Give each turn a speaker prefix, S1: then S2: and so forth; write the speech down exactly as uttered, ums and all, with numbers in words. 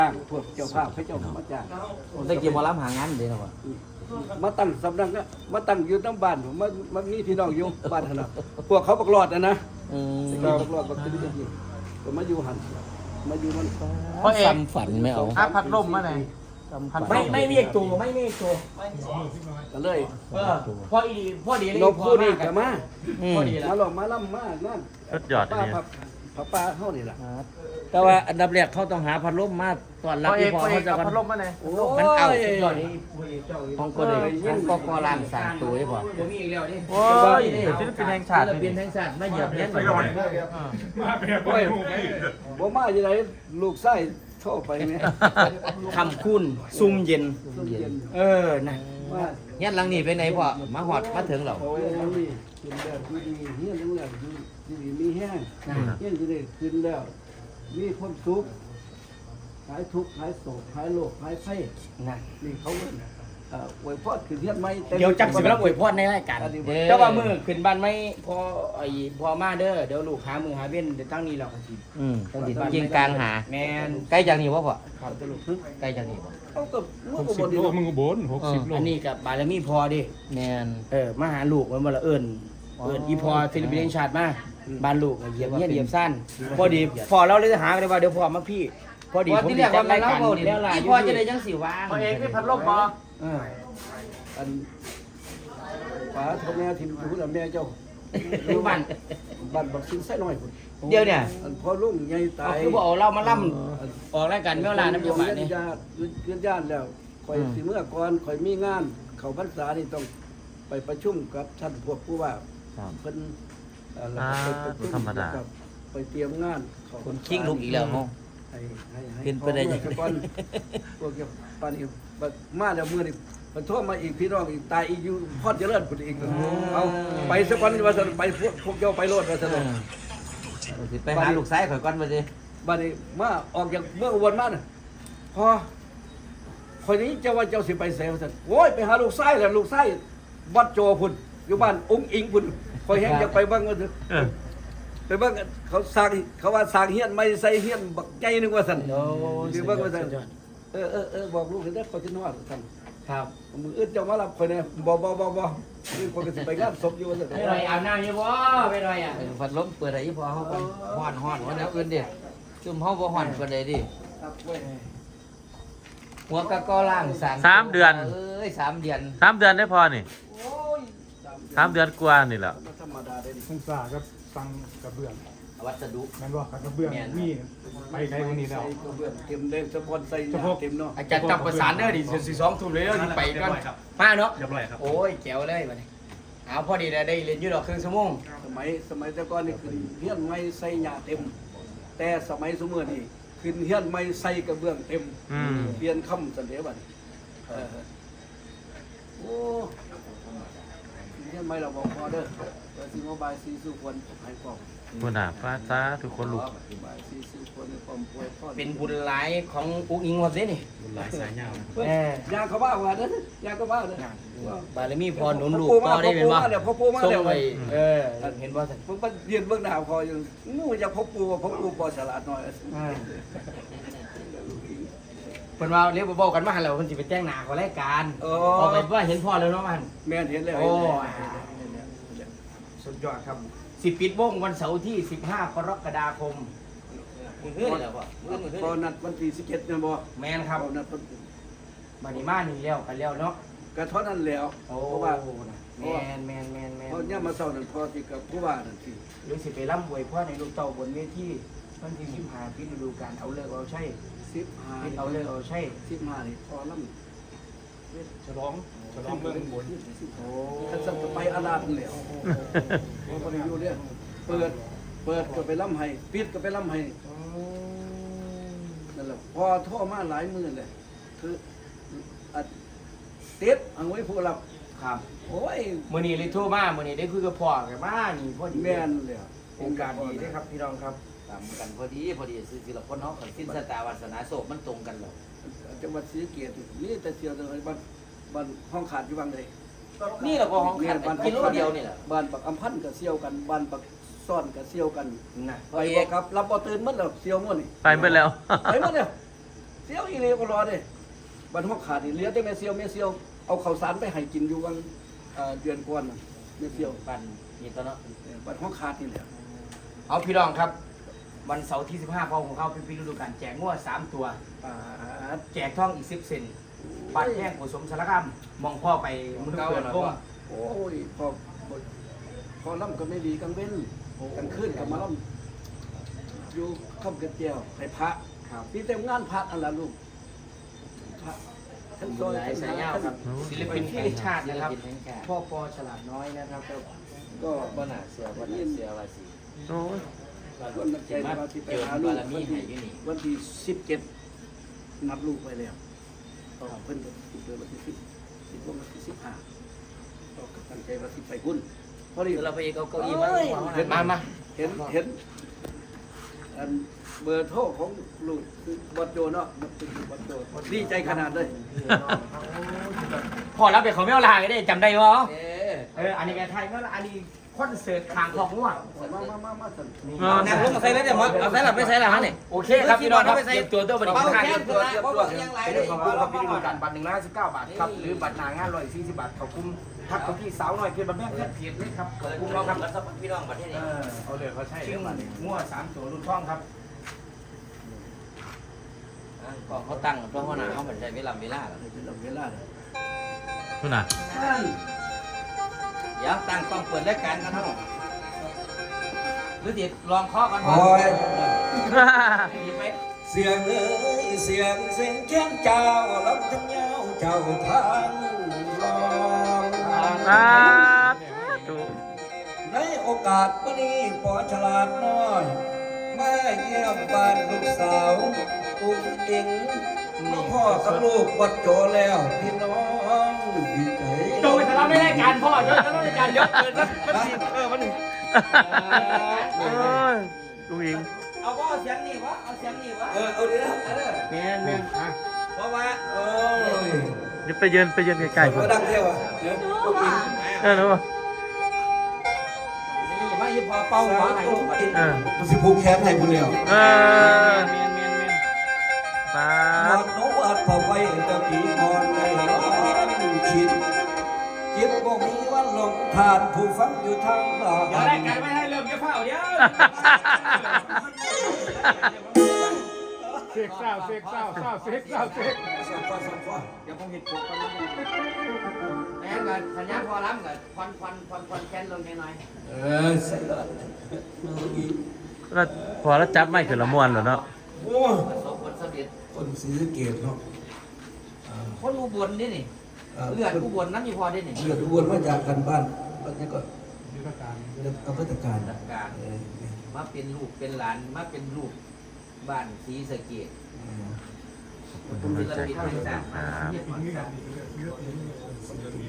S1: จ้างพวกเจ้าภาพให้เจ้ามาจ้าง
S2: ผมได้เกี่ยวมารับหางานเดี๋ยวนะวะ
S1: มาตั้งสำนักนะมาตั้งอยู่ตั้งบ้านผมมามามีพี่น้องอยู่บ้านขนาดพวกเขาบักหลอดนะนะ
S2: อืม
S1: บักหลอดบักตื่นจริงก็มาอยู่หันมาอยู่มัน
S2: เพราะเอกฝันไม่เอา
S3: อาพัดลมมาไหน
S4: ไม่ไม่เรียกตัวไม่เรียกตัว
S1: ก็เลย
S4: เออพ่ออีดีพ่อดีเลย
S1: นกผู้นี่ก็มา
S2: อืม
S4: พ่อดีแล้
S1: มาว ลองมาล่ำมานั่น
S3: สุดยอด
S1: ป้า
S3: เนี่ย
S1: ผับผับป้าเฮานี่ล่ะ
S2: แต่ว่าอันดับแรกเขาต้องหาพัดลมมาตอนรับ
S3: พ่อเอ
S2: ที่
S3: ก
S2: พอ
S3: พ่อเอ
S2: เขา
S3: ก
S2: จะ
S3: เอา
S2: กัน
S3: พัดลมมาไหน
S1: โอ้
S2: มันเอา
S1: ย
S4: ยอดนี้
S2: ของก็เลยทั้งก็กอล่างสามตัวให้พอ
S4: ผมมีอีกแล้วดิ
S3: โอ้ยศิลปินแห่งชาติ
S2: ศิลปินแห่งชาติไม่เหยียบเนี้ย
S1: โอ้ยบ่มาอยู่ไหนลูกไส้โทษไปเนี่ย
S4: คำคุณซุ่มเย็น
S1: ซุ่มเย็น
S4: เออนะ
S1: ว่า
S2: เนี้ยหลังนี้ไปไหนพอมาหอดมาถึงเรา
S1: โอ้ยนี่กินแล้วดีดีเฮียนแล้วดีดีมีแห้งเฮียนจะได้กินแล้วมีความสุขหายทุกข์หายโศกหายโรคหายไข้
S4: นะ
S1: นี่เขาเอ่ออวยพรคือเฮียนไหม
S4: เดี๋ยวจับสิบแล้วอวยพรในรายการแต่ว่ามือขึ้นบ้านไม่พอไอ้พอมาเด้อเดี๋ยวลูกหามือหาเว้นเดี๋ยวตั้งนี้เราก็สิ
S2: อืมต้องติดยิงกลางหา
S4: แมน
S2: ใกล้จากนี้วะพ่อ
S4: ครับตลก
S2: ใกล้จากนี้วะ
S1: เขาก็เมื่อ
S5: หก
S1: ก
S5: สิ
S1: บบ น
S5: โลมึงก็บนหกสิบโล
S4: อันนี้กับบารมีพอดิ
S2: แมน
S4: เออมาหาลูกมันมาละเอิญเอิญอีพอศิลปินแห่งชาติมาบ้านลูกเหยียบเงี้ยเหยียบสั้นพอดีพอเราเลยหากันว่าเดี๋ยวพอมาพี่พอดี
S2: พอ
S4: ผม
S2: ที่
S4: ดี
S2: เรียก
S4: จั
S2: ว่า
S4: ด
S2: มั
S4: ราน ย
S2: เล่า
S4: การ
S2: เบา
S4: นี่
S2: เนี่ย
S4: แล้วล่ะ
S2: พี่พ่อจะได้ยังสิว่าง
S3: พ่อเอกนี่พัดลมบ่
S4: เออ
S1: อันป๋าทำแม่ทีมผู้ลำแม่เจ้า
S4: อยู่บ้าน
S1: บ้านบักซินไส้น้อยพุ่น
S4: เดี๋ยวเนี่ย
S1: อันพอลุงใหญ่ตา
S4: เอา
S1: ย
S4: คือบอกเอาเรามาล่ำออกรายการเมื่อลาน้ำเยาบาทนี่
S1: ญาติญาติญาติแล้วคอยสิเมื่อก่อนคอยมีงาน เขาพรรษานี่ต้องไปประชุมกับท่านพวกผู้ว่า
S2: ครับ
S1: เพิ่นเอ่อแล้วก็ไปประชุ
S3: ธรรมดา
S1: กับไปเตรียมงานเขา
S2: คนคิงลูกอีกแล้วเนาะ
S1: ให้ให้ให้
S2: เป็นไปได้ยังไง
S1: พอเมื่อก่อนพวกเกี่ยวปานนี้บัดมาแล้วมื้อนี้มันโทรมาอีกพี่น้องอีกตายอีกอยู่พอดเจริญพุ่นอีกเอาไปสักวันว่าซั่นไปพวกพวกเจ้าไปโลดว่าซั่น
S2: สิไปหาลูกซ้ายข่อยก่อนมาสิ
S1: บัดนี้มาออกจากเมืองอุบลมาน่ะพอคนนี้เจ้าว่าเจ้าสิไปเสวสันโอ้ยไปหาลูกไส้แหละลูกไส้วัดโจพุ่นอยู่บ้านองค์อิงพุ่นคอยแห้งอยากไปบ้างก็เถอะไปบ้างเขาสร้างเขาว่าสร้างเฮียนไม่ใส่เฮียนบักใจนึงว่าสัน
S4: โอ้
S1: หรือบ้างว่าสันเออเออเออบอกลูกเห็นได้คอยจะนอนสัน
S4: ครับ
S1: มืออึดเจ้ามารับคอยเนี่ยบ่บ่บ่บ่นี่คนก็สิไปงานศพอยู่ว่าสัน
S4: ไม่หน่อยอาบน้ำยังวะไม่หน่อยอ่ะ
S2: พัดลมเปิดอะไรพอเขาก่อนห่อนห่อนวันนี้อื่นดิจุ่มเขาบ่ห่อนกันเลยดิ
S1: ครับเว้ย
S2: หัวกะกอล่างสาม
S3: สามเดือน
S2: เอ้ยสามเดือน
S3: สามเดือนได้พอนี่
S1: โอ้ย
S3: สามเดือนกว่านี่แหละ
S1: มันธรรมดาได้ดิ
S5: สงสารก็ฟังกระเบื้อง
S2: วัสดุ
S5: แม่นบอกกระเบื้องมีไปไกลกว่านี้แล้ว
S1: ใส่กระเบื้องเต็มเลยสปอนใส่ยาเต็มเนาะ
S4: อาจารย์จับประสานเด้อดิสี่สองทุ่มเลยเด้อดิไปกันมาเนาะ
S5: เรียบร้อยครับ
S4: โอ้ยแจ๋วเลยวันนี้เอาพอดีได้เรียนยืดดอกครึ่งชั่วโมง
S1: สมัยสมัยแต่ก่อนนี่ขึ้นเฮียนไม่ใส่หญ้าเต็ม แต่สมัยสมัยนี่ขึ้นเฮียนไม่ใส่กระเบื้องเต็ม
S3: อืม
S1: เปลี่ยนคำสันเดียบัดนี้เออโอ้เฮียนไม่เราบอกพอเด้อเปิดซีโมบายซีสุควรให้ความ
S3: บุญหาฟ้าซาทุกคนลูก
S1: บายซีสุควรให้ความป่วยพ่อ
S4: เป็นบุญหลายของอุ้งอิงวันนี้นี่
S5: หลายสายยาว
S1: เฮ้ยยางเขาบ้าว่าเด้อยางเขาบ้าเด้อบ
S4: ารมีพรหนุนลูกต่อได้เป็นว่า
S1: พ่อปู่มา
S4: ส่ง
S1: แล้ว
S4: ไปเออเห็นว่าสัน
S1: ผมไปเรียนเบื้องหน้าพออยู่งูจะพ่อปู่พ่อปู่ปอฉลาดหน่อย
S4: เพิ่นว่าเรียกบอกกันมาแล้วเพิ่นสิไปแจ้งหน้าของรายการพอไปว่าเห็นพ่อแล้วเนาะมัน
S1: แม่นเห็นแล้ว
S4: โอ้สุดยอดครับสิปิดวงวันเสาร์ที่สิบห้ากรกฎาคม
S2: มือเฮ้ยแล้วพ่อมือมือเฮ้
S1: พอย นัดวันที่สิบเจ็ดเนี่ยบ่
S4: แมนครับ
S1: พอนัดวัน
S4: บัดนี้มานี่แล้วกันแล้วเนาะ
S1: กระท้อนนั่นแล้ว
S4: โอ้
S1: เพราะว่า
S4: แมนแมนแมนแมน
S1: เพราะเนี่ยามมาเศร้านั่นพอที่กับผู้ว่านั่นสิ
S4: หรือสิไปร่ำบวยพ่อในลูกเต่าบนเวทีวันที่สิบห้าพิจารณาการเอาเลิกเอาใช่
S1: สิบห้า
S4: พิจเอาเลิกเอาใช่
S1: สิบห้านี่พอล
S5: ฉลองฉลองเมืองบน
S1: ำโอ้ท่านสั่งไปอาลาดนั่นแล้วพอพอได้อยู่เนี่ยเปิดเปิดก็ไปล่ำให้ปิดก็ไปล่ำให้นั่นแหละพอโท่อมาหลายมือเลยคืออัดเต็ดเอาไว้ผู้รับ
S4: ครับ
S1: โอ้ย
S4: มื้อนี้เลยโทรมามื้อนี้ได้คุยกับพ่อกันมานี่พอดี
S1: แม่นเลย
S4: โครงการดีเด้อครับพี่น้องครับ
S2: ตามกันพอดีพอดีซื้อสิละคนเนาะขันสิ้นสตาวาสนาโศกมันตรงกันหรอ
S1: จังหวัดศรีสะเกษนี่แต่เสียวเลยบ้านบ้านห้องขาดอยู่บางใด
S2: นี่เราก็ห้องขัด
S1: บ้าน
S2: กิโลเดียวนี่แหละ
S1: บ้านปักอำพันธ์ก็เสียวกันบ้านปักซ่อนก็เสียวกัน
S4: นะ
S1: ไปบ่ครับรับบ่ตื่นหมดแล้วเสียวหมดนี่
S3: ไปเมื่อแล้ว
S1: ไปหมดแล้วเสียวเลี้ยก็รอเด้บันห้องขาดนี่เลี้ยได้แม่เซียวแม่เซียวเอาข้าวสารไปให้กินอยู่วันเอ่อเดือนก่อนน่ะแม่เซียว
S4: ปั่นนี่ตอนเนาะ
S1: เออบันห้องขาดนี่แหละ
S4: เอาพี่น้องครับ วันเสาร์ที่สิบห้าพอของเขาเป็นปีฤดูกาลแจกงวดสามตัว
S1: อ่า
S4: แจกท่องอีกสิบเซนบัตรแห้งผสมสารคามมองพ่อไปมือเปิดวง
S1: โอ้ยพอพอล่ำก็ไม่ดีกังเว้นกังขึ้นกับมาล่ำอยู่ข้ามกระเจียวให้พระพี่เต็มงานพระอันละลูกพระทั้งซอย
S4: หลายสายยาวครับศิลปินแห่งชาตินะครับ
S2: ศิลปินแห่งชาติ
S4: พ่อปอฉลาดน้อยนะครับก็
S1: ก็
S2: บ่น่าเสือบ่น่าเสือว่าสิ
S3: โอ้ย
S1: วันนั้นใจว่าที่ไปหาลูกวันที่วันที่สิบเจ็ดนับลูกไปแล้วก็เพิ่นก็เกิดวันที่สิบสิบวันที่สิบห้าก็ตั้งใจว่าที่ไปหุ้นพอดี
S2: คือเราไปเอาเก้าอี้มา
S1: เอ้ย
S2: วาง
S1: เห็น
S2: มา
S4: มามา
S1: เห็นเห็นอันเบอร์โทรของลูกคือบอดโจเนาะมันเป็นบอดโจดีใจขนาดเลย
S4: พ่อรับไปเขาไม่เอาลาก็ได้จำได้บ่
S2: เอ๊ะ
S4: เอออันนี้แกไทยเมื่ออันนี้คอนเสิร์ตขางของง่วง
S1: มามามามาสั่น
S2: นั่งลงมาใส่แล้วเดี๋ยวมาเอาใส่หลับไม่ใส่หลับฮะนี่
S4: โอเคครับพี่น้องครับเตรียมตัวตัวบัตร
S2: เป้า
S4: ค่า
S2: แค่
S4: เตรียม
S2: ตั
S4: ตัว ว
S2: นะเพราะว่ายังไร
S4: เป็น
S2: เลย
S4: ของผู้รับปีฤดูกาลบัตรหนึ่งร้อยห้าสิบเก้าบาทครับหรือบัตรหนางานร้อยสี่สิบบาทขอบคุณทักไปที่สาวน้อยเพียรบัตรแม่เพื่อนเพียรเลยครับขอบคุณเราครับ
S2: แล้วสักพี่น้องประเทศ
S4: เอ
S2: นี้
S4: อเอาเลยเขาใช่ชื่อมั่วสามตัวรุ่นท่องครับ
S2: ก็เขาตั้งเพราะหัวหน้าเขาเหมือนใจเวลาเวลา
S1: เป็นเวลาเลย
S3: นู่นน่ะ
S1: นั่น
S2: เดี๋ยวตั้งต้องเปิดรายการกันเนาะหรือติดลองเคาะกัน
S1: โอ้ย
S2: หยิบไป
S1: เสียงเอ้ยเสียงเสียงแค้นเจ้าลำทั้งยาวเจ้าทางรอง
S3: ครับถูก
S1: ในโอกาสวันนี้ปอฉลาดน้อยมาเยี่ยมบ้านลูกสาวอุ้งอิงมาพ่อกับลูกวัดโจแล้วพี่น้องดีใจ
S4: โดยทะเลาะในรายการพ่อโดยทะเลาะในรายการเยอะเกินมันมันสิเออมันหนึ่ง
S3: โอ้ยลุงอิง
S2: เอาว่าเอาเสียงนี่วะเอาเสียงนี่วะ
S1: เออเอาดีนะ
S2: เออ
S4: แม่นแม่นอ่ะ
S2: เพราะว่า
S1: โอ้ย
S3: เดี๋ยวไปยืนไปยืนใกล้ๆผม
S1: มาดังเท่าอ่ะเดี๋ยวลูกอิง
S3: เออรู้ป่ะ
S2: นี่มาหยิบพอเป่าหัวให้ลูก
S3: เออ
S1: มันสิผูกแขนให้บุญแล้ว
S3: เออ
S4: แม่นแม่นแม่น
S3: ปา
S1: หม
S3: ด
S1: ดโนอัดพอไฟตะปีก่อนในร้อนชิดจิตบ่มีวันหลงทานผู้ฟังอยู่ทางบ้า
S4: เดี๋ยวน รายการไม่ให้เริ่มเยอะเผาเดี๋ยว
S5: เสกเศร้าเสกเศร้าเศร้าเสกเศร้าเสก
S1: สังฟ้าสังฟ้า
S4: เดี๋ยวผมเห็นถูกกันแม่นกันสัญญาพอล้ำกันควันควันควันควันแค้นลงแค่น้อย
S1: เออใส่ละ
S3: แล้วพอแล้วจับไม่คือละมวนเหรอเนาะ
S1: โอ้ย
S2: ประสบผลสำเร็จ
S1: คนศรีสะเกษเนาะ
S2: คนอุบลนี่นี่เลือดอุบลนั้นมีพอได้นี่
S1: เลือดอ้วนมาจากกันบ้านบ้านนี้ก็
S5: ยุทธการ
S1: เลือดอำเภอตะการ
S2: จัดการ
S1: เออ
S2: มาเป็นลูกเป็นหลานมาเป็นลูกบ้านศรีสะเกษ
S1: เออ
S3: ขอบคุณกำลังใจครับครับ